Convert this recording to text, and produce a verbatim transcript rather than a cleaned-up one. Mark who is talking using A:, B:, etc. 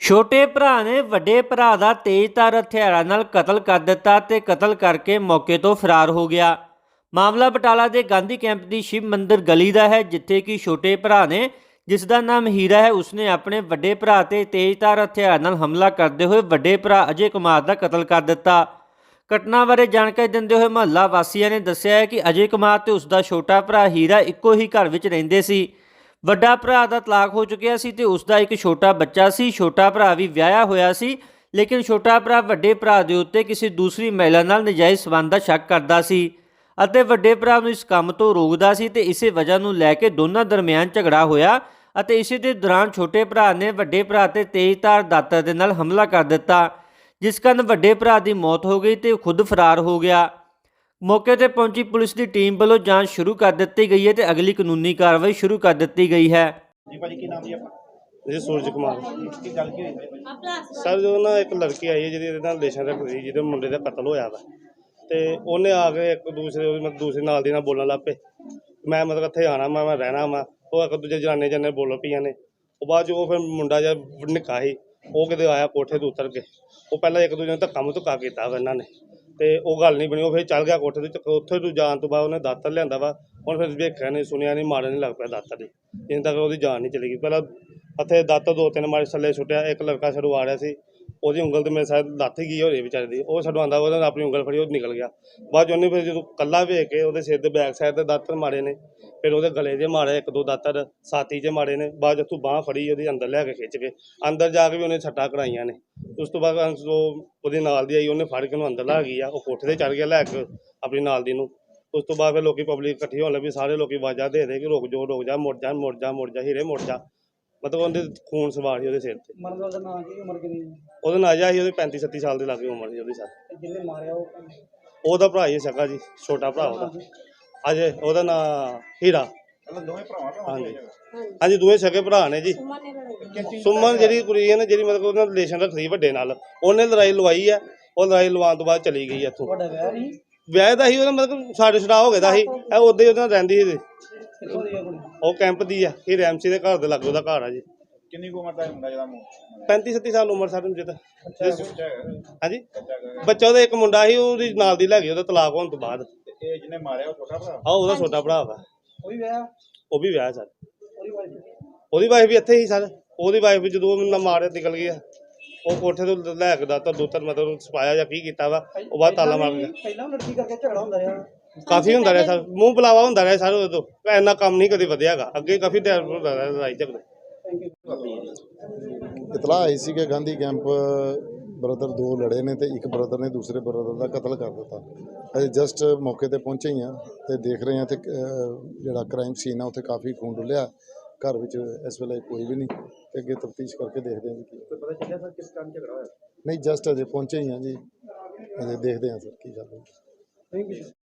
A: ਛੋਟੇ ਭਰਾ ਨੇ ਵੱਡੇ ਭਰਾ ਦਾ ਤੇਜ਼ਧਾਰ ਹਥਿਆਰਾਂ ਨਾਲ ਕਤਲ ਕਰ ਦਿੱਤਾ ਤੇ ਕਤਲ ਕਰਕੇ ਮੌਕੇ ਤੋਂ ਫਰਾਰ ਹੋ ਗਿਆ। ਮਾਮਲਾ ਬਟਾਲਾ ਦੇ ਗਾਂਧੀ ਕੈਂਪ ਦੀ ਸ਼ਿਵ ਮੰਦਿਰ ਗਲੀ ਦਾ ਹੈ, ਜਿੱਥੇ ਕਿ ਛੋਟੇ ਭਰਾ ਨੇ, ਜਿਸ ਦਾ ਨਾਮ ਹੀਰਾ ਹੈ, ਉਸਨੇ ਆਪਣੇ ਵੱਡੇ ਭਰਾ ਤੇ ਤੇਜ਼ਧਾਰ ਹਥਿਆਰ ਨਾਲ ਹਮਲਾ ਕਰਦੇ ਹੋਏ ਵੱਡੇ ਭਰਾ ਅਜੇ ਕੁਮਾਰ ਦਾ ਕਤਲ ਕਰ ਦਿੱਤਾ। ਘਟਨਾ ਬਾਰੇ ਜਾਣਕਾਰੀ ਦਿੰਦੇ ਹੋਏ ਮੁਹੱਲਾ ਵਾਸੀਆਂ ਨੇ ਦੱਸਿਆ ਹੈ ਕਿ ਅਜੇ ਕੁਮਾਰ ਤੇ ਉਸ ਦਾ ਛੋਟਾ ਭਰਾ ਹੀਰਾ ਇੱਕੋ ਹੀ ਘਰ ਵਿੱਚ ਰਹਿੰਦੇ ਸੀ। ਵੱਡਾ ਭਰਾ ਦਾ ਤਲਾਕ ਹੋ ਚੁੱਕਿਆ ਸੀ ਤੇ ਉਸ ਦਾ ਇੱਕ ਛੋਟਾ ਬੱਚਾ ਸੀ। ਛੋਟਾ ਭਰਾ ਵੀ ਵਿਆਹਿਆ ਹੋਇਆ ਸੀ, ਲੇਕਿਨ ਛੋਟਾ ਭਰਾ ਵੱਡੇ ਭਰਾ ਦੇ ਉੱਤੇ ਕਿਸੇ ਦੂਸਰੀ ਮਹਿਲਾ ਨਾਲ ਨਜਾਇਜ਼ ਸਬੰਧ ਦਾ ਸ਼ੱਕ ਕਰਦਾ ਸੀ ਅਤੇ ਵੱਡੇ ਭਰਾ ਨੂੰ ਇਸ ਕੰਮ ਤੋਂ ਰੋਕਦਾ ਸੀ ਤੇ ਇਸੇ ਵਜ੍ਹਾ ਨੂੰ ਲੈ ਕੇ ਦੋਨਾਂ ਦਰਮਿਆਨ ਝਗੜਾ ਹੋਇਆ ਅਤੇ ਇਸੇ ਦੇ ਦੌਰਾਨ ਛੋਟੇ ਭਰਾ ਨੇ ਵੱਡੇ ਭਰਾ ਤੇ ਤੇਜ਼ਧਾਰ ਦਾਤਰ ਦੇ ਨਾਲ ਹਮਲਾ ਕਰ ਦਿੱਤਾ, ਜਿਸ ਕਾਰਨ ਵੱਡੇ ਭਰਾ ਦੀ ਮੌਤ ਹੋ ਗਈ ਤੇ ਉਹ ਖੁਦ ਫਰਾਰ ਹੋ ਗਿਆ। ਮੌਕੇ ਤੇ ਪਹੁੰਚੀ ਪੁਲਿਸ ਦੀ ਟੀਮ ਵੱਲੋਂ ਜਾਂਚ ਸ਼ੁਰੂ ਕਰ ਦਿੱਤੀ ਗਈ ਹੈ ਤੇ ਅਗਲੀ ਕਾਨੂੰਨੀ ਕਾਰਵਾਈ ਸ਼ੁਰੂ ਕਰ ਦਿੱਤੀ ਗਈ ਹੈ।
B: जी भाजी की नाम जी अपना
C: जी सूरज कुमार
B: की गल की हुई
C: सर जो ना एक लड़की आई है जी रिलेशन रखती ਜਿਹਦੇ ਮੁੰਡੇ ਦਾ ਕਤਲ ਹੋਇਆ ਵਾ ਤੇ ਉਹਨੇ ਆ ਕੇ ਇੱਕ ਦੂਸਰੇ ਮਤਲਬ ਦੂਸਰੇ ਨਾਲ ਦੀ ਨਾਲ ਬੋਲਣ ਲੱਗ ਪਏ। ਮੈਂ ਮਤਲਬ ਇੱਥੇ ਆਣਾ ਮੈਂ ਮੈਂ ਰਹਿਣਾ ਵਾ। ਉਹ ਇੱਕ ਦੂਜੇ ਜਨਾਨੇ ਜਨੇ ਬੋਲ ਪਈਆਂ ਨੇ। ਉਹ ਬਾਅਦ ਜੋ ਫਿਰ ਮੁੰਡਾ ਜਿਹਾ ਨਿੱਕਾ ਸੀ ਉਹ ਕਿਤੇ ਆਇਆ ਕੋਠੇ ਤੋਂ ਉਤਰ ਕੇ। ਉਹ ਪਹਿਲਾਂ ਇੱਕ ਦੂਜੇ ਨੂੰ ਧੱਕਾ ਮੁੱਕਾ ਕੀਤਾ ਵਾ ਇਹਨਾਂ ਨੇ ਤੇ ਉਹ ਗੱਲ ਨਹੀਂ ਬਣੀ। ਉਹ ਫਿਰ ਚੱਲ ਗਿਆ ਕੋਠੇ ਤੇ। ਉੱਥੇ ਤੋਂ ਜਾਣ ਤੋਂ ਬਾਅਦ ਉਹਨੇ ਦਾਤਰ ਲਿਆਂਦਾ ਵਾ। ਹੁਣ ਫਿਰ ਵੇਖਿਆ ਨਹੀਂ ਸੁਣਿਆ ਨਹੀਂ ਮਾਰਨ ਨਹੀਂ ਲੱਗ ਪਿਆ ਦਾਤਰ ਦੀ, ਜਿੰਨ ਤੱਕ ਉਹਦੀ ਜਾਨ ਨਹੀਂ ਚਲੀ ਗਈ। ਪਹਿਲਾਂ ਇੱਥੇ ਦਾਤਰ ਦੋ ਤਿੰਨ ਮਾਰੇ ਥੱਲੇ ਸੁੱਟਿਆ। ਇੱਕ ਲੜਕਾ ਛੜੂ ਆ ਰਿਹਾ ਸੀ, ਉਹਦੀ ਉਂਗਲ ਤੇ ਮੇਰੇ ਸਾਥ ਲੱਥ ਗਈ ਹੋਈ ਵਿਚਾਰੇ ਦੀ। ਉਹ ਛਡਵਾਉਂਦਾ ਉਹਨੇ ਆਪਣੀ ਉਂਗਲ ਫੜੀ, ਉਹ ਨਿਕਲ ਗਿਆ। ਬਾਅਦ 'ਚ ਉਹਨੇ ਫਿਰ ਜਦੋਂ ਕੱਲਾ ਵੇਖ ਕੇ ਉਹਦੇ ਸਿਰ ਦੇ ਬੈਕ ਸਾਈਡ 'ਤੇ ਦਾਤਰ ਮਾਰੇ ਨੇ। ਫਿਰ ਉਹਦੇ ਗਲੇ 'ਚ ਮਾਰੇ ਇੱਕ ਦੋ ਦਾਤਰ, ਛਾਤੀ 'ਚ ਮਾਰੇ ਨੇ। ਬਾਅਦ 'ਚ ਉੱਥੋਂ ਬਾਂਹ ਫੜੀ ਉਹਦੀ ਅੰਦਰ ਲੈ ਕੇ ਖਿੱਚ ਕੇ ਅੰਦਰ ਜਾ ਕੇ ਵੀ ਉਹਨੇ ਛੱਟਾਂ ਕਰਾਈਆਂ ਨੇ। ਉਸ ਤੋਂ ਬਾਅਦ ਉਹ ਉਹਦੇ ਨਾਲ ਦੀ ਆਈ, ਉਹਨੇ ਫੜ ਕੇ ਉਹਨੂੰ ਅੰਦਰ ਲਾ ਗਈ ਆ। ਉਹ ਕੋਠੇ 'ਤੇ ਚੜ੍ਹ ਗਿਆ ਲੈ ਕੇ ਆਪਣੀ ਨਾਲ ਦੀ ਨੂੰ। ਉਸ ਤੋਂ ਬਾਅਦ ਫਿਰ ਲੋਕੀ ਪਬਲਿਕ ਇਕੱਠੀ ਹੋਣ ਲੱਗੀ। ਸਾਰੇ ਲੋਕੀ ਆਵਾਜ਼ਾਂ ਦੇ ਦੇ ਕਿ ਰੁਕ ਜਾ ਰੁਕ ਜਾ, ਮੁੜ ਜਾ ਮੁੜ ਜਾ ਮੁੜ ਜਾ ਹੀਰੇ ਮੁੜ ਜਾ। ਮਤਲਬ ਉਹਦੇ ਖੂਨ ਸਵਾਰ ਸੀ ਉਹਦੇ ਸਿਰ ਤੇ।
B: ਮਰਨ ਵਾਲਾ ਨਾਂ ਕੀ ਉਮਰ ਕਿੰਨੀ
C: ਉਹਦਾ ਨਾਂ ਜਾ ਸੀ ਉਹਦੀ ਪੈਂਤੀ ਛੱਤੀ ਸਾਲ ਦੇ ਲਾਗੇ ਉਮਰ ਸੀ ਉਹਦੀ। ਸਰ
B: ਜਿਹਨੇ ਮਾਰਿਆ ਉਹ
C: ਉਹਦਾ ਭਰਾ ਹੀ ਸਕਾ ਜੀ, ਛੋਟਾ ਭਰਾ ਉਹਦਾ ਅਜੇ। ਉਹਦਾ ਨਾਂ ਹੀਰਾ।
B: ਦੋਵੇਂ ਭਰਾਵਾਂ
C: ਹਾਂਜੀ ਹਾਂਜੀ ਦੋਵੇਂ ਸਕੇ ਭਰਾ ਨੇ ਜੀ। ਸੁਮਨ ਜਿਹੜੀ ਕੁੜੀ ਹੈ ਨਾ, ਜਿਹੜੀ ਮਤਲਬ ਉਹਨਾਂ ਰਿਲੇਸ਼ਨ ਰੱਖਦੀ ਵੱਡੇ ਨਾਲ, ਉਹਨੇ ਲੜਾਈ ਲਵਾਈ ਆ। ਉਹ ਲੜਾਈ ਲਵਾਉਣ ਤੋਂ ਬਾਅਦ ਚਲੀ ਗਈ ਇੱਥੋਂ।
B: ਤੁਹਾਡਾ ਵਿਆਹ ਨਹੀਂ
C: ਵਿਆਹ ਦਾ ਸੀ ਉਹਦਾ, ਮਤਲਬ ਸਾਡੇ ਛੜਾ ਹੋ ਗਿਆ ਦਾ ਸੀ। ਇਹ ਉਦੋਂ ਹੀ ਉਹਦੇ ਨਾਲ ਰਹਿੰਦੀ ਸੀ।
B: ਕਿੱਥੋਂ ਦੀ ਆ ਕੁੜੀ?
C: ਉਹ ਕੈਂਪ ਦੀ ਆ। ਇਹ ਰੈਮਸੀ ਦੇ ਘਰ ਦੇ ਲਾਗੇ ਉਹਦਾ ਘਰ ਆ ਜੀ।
B: ਕਿੰਨੀ ਕੁ ਉਮਰ ਦਾ ਮੁੰਡਾ ਜਿਹਦਾ
C: ਪੈਂਤੀ ਛੱਤੀ ਸਾਲ ਉਮਰ ਸਾਡੇ ਨੂੰ ਜਿੱਦਾਂ। ਹਾਂਜੀ ਬੱਚਾ ਉਹਦਾ ਇੱਕ ਮੁੰਡਾ ਸੀ, ਉਹਦੀ ਨਾਲ ਦੀ ਲੈ ਗਈ ਉਹਦਾ ਤਲਾਕ ਹੋਣ ਤੋਂ ਬਾਅਦ।
B: ਇਹ ਜਿਹਨੇ ਮਾਰਿਆ ਉਹ ਛੋਟਾ ਭਰਾ?
C: ਆਹ ਉਹਦਾ ਛੋਟਾ ਭਰਾ ਵਾ।
B: ਉਹ ਵੀ ਵਿਆਹ?
C: ਉਹ ਵੀ ਵਿਆਹ ਸਰ।
B: ਉਹਦੀ ਵਾਈਫ?
C: ਉਹਦੀ ਵਾਈਫ ਵੀ ਇੱਥੇ ਹੀ ਸਰ। ਉਹਦੀ ਵਾਈਫ ਵੀ ਜਦੋਂ ਮੈਨੂੰ ਮਾਰਿਆ ਨਿਕਲ ਗਈ ਆ। ਉਹ ਕੋਠੇ ਤੋਂ ਲੈ ਕੇ ਦਾਤਰ ਦੂਤਰ ਮਤਲਬ ਸਪਾਇਆ ਜਾਂ ਕੀ ਕੀਤਾ ਵਾ। ਉਹ ਬਾਅਦ ਤਾਲਾ ਮਾਰ ਗਿਆ।
B: ਪਹਿਲਾਂ ਲੜਕੀ ਕਰਕੇ ਝਗੜਾ ਹੁੰਦਾ ਰਿਹਾ?
C: ਕਾਫੀ ਹੁੰਦਾ ਰਿਹਾ ਸਰ, ਮੂੰਹ ਬੁਲਾਵਾ ਹੁੰਦਾ ਰਿਹਾ ਸਰ। ਉਦੋਂ ਇੰਨਾ ਕੰਮ ਨਹੀਂ ਕਦੇ ਵਧਿਆ ਗਾ। ਅੱਗੇ ਕਾਫੀ ਟਾਈਮ ਹੁੰਦਾ ਰਿਹਾ ਲੜਾਈ ਝਗੜੇ।
D: ਇਤਲਾਹ ਆਈ ਸੀ ਕਿ ਗਾਂਧੀ ਕੈਂਪ ਬ੍ਰਦਰ ਦੋ ਲੜੇ ਨੇ ਤੇ ਇੱਕ ਬ੍ਰਦਰ ਨੇ ਦੂਸਰੇ ਬ੍ਰਦਰ ਦਾ ਕਤਲ ਕਰ ਦਿੱਤਾ। ਅਸੀਂ ਜਸਟ ਮੌਕੇ ਤੇ ਪਹੁੰਚੇ ਹੀ ਹਾਂ ਤੇ ਦੇਖ ਰਹੇ ਹਾਂ ਤੇ ਜਿਹੜਾ ਕ੍ਰਾਈਮ ਸੀਨ ਆ ਉੱਥੇ ਕਾਫੀ ਖੂਨ ਡੁੱਲਿਆ। ਘਰ ਵਿੱਚ ਇਸ ਵੇਲੇ ਕੋਈ ਵੀ ਨਹੀਂ ਤੇ ਅੱਗੇ ਤਫਤੀਸ਼ ਕਰਕੇ ਦੇਖਦੇ ਹਾਂ ਜੀ ਕੀ
B: ਪਤਾ ਚੱਲਿਆ ਸਰ ਕਿਸ ਕਾਰਨ ਝਗੜਾ ਹੋਇਆ?
D: ਨਹੀਂ। ਜਸਟ ਅਜੇ ਪਹੁੰਚੇ ਹੀ ਹਾਂ ਜੀ, ਅਜੇ ਦੇਖਦੇ ਹਾਂ ਸਰ ਕੀ ਗੱਲ ਹੈ।
B: Thank you.